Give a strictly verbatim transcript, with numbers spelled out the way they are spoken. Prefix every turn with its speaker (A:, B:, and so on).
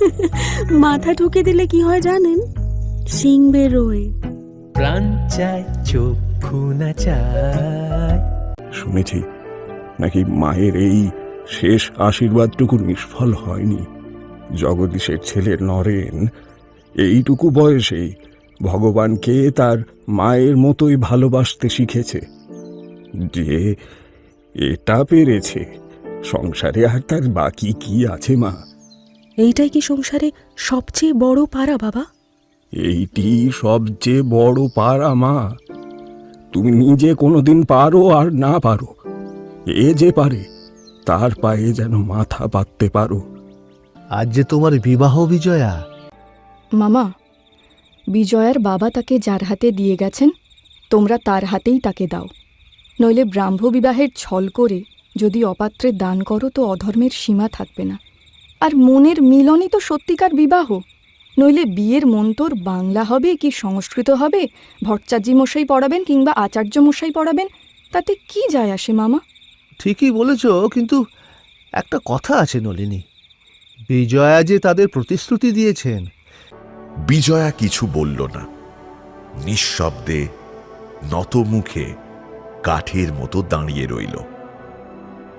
A: মাথা ঠুকে দিলে কি হয় জানেন? শিং বেরোয়।
B: প্রাণ চায় চক্ষু না চায়।
C: শুনেছি নাকি মায়ের এই শেষ আশীর্বাদটুকু নিষ্ফল হয়নি। জগদীশের ছেলে নরেন এইটুকু বয়সেই ভগবানকে তার মায়ের মতোই ভালোবাসতে শিখেছে। যে এটা পেরেছে, সংসারে আর তার বাকি কি আছে মা?
A: এইটাই কি সংসারে সবচেয়ে বড় পারা বাবা?
C: এইটি সবচেয়ে বড় পারা মা। তুমি নিজে কোনোদিন পারো আর না পারো, এ যে পারে তার পায়ে যেন মাথা পাততে পারো।
D: আজ যে তোমার বিবাহ বিজয়া।
E: মামা, বিজয়ার বাবা তাকে যার হাতে দিয়ে গেছেন তোমরা তার হাতেই তাকে দাও। নইলে ব্রাহ্ম বিবাহের ছল করে যদি অপাত্রে দান করো তো অধর্মের সীমা থাকবে না। আর মনের মিলনই তো সত্যিকার বিবাহ। নইলে বিয়ের মন্তর বাংলা হবে কি সংস্কৃত হবে, ভট্টাচার্য মশাই পড়াবেন কিংবা আচার্য মশাই পড়াবেন, তাতে কি যায় আসে মামা?
D: ঠিকই বলেছ, কিন্তু একটা কথা আছে নলিনী, বিজয়া যে তাদের প্রতিশ্রুতি দিয়েছেন।
F: বিজয়া কিছু বলল না, নিঃশব্দে নত মুখে কাঠের মতো দাঁড়িয়ে রইল।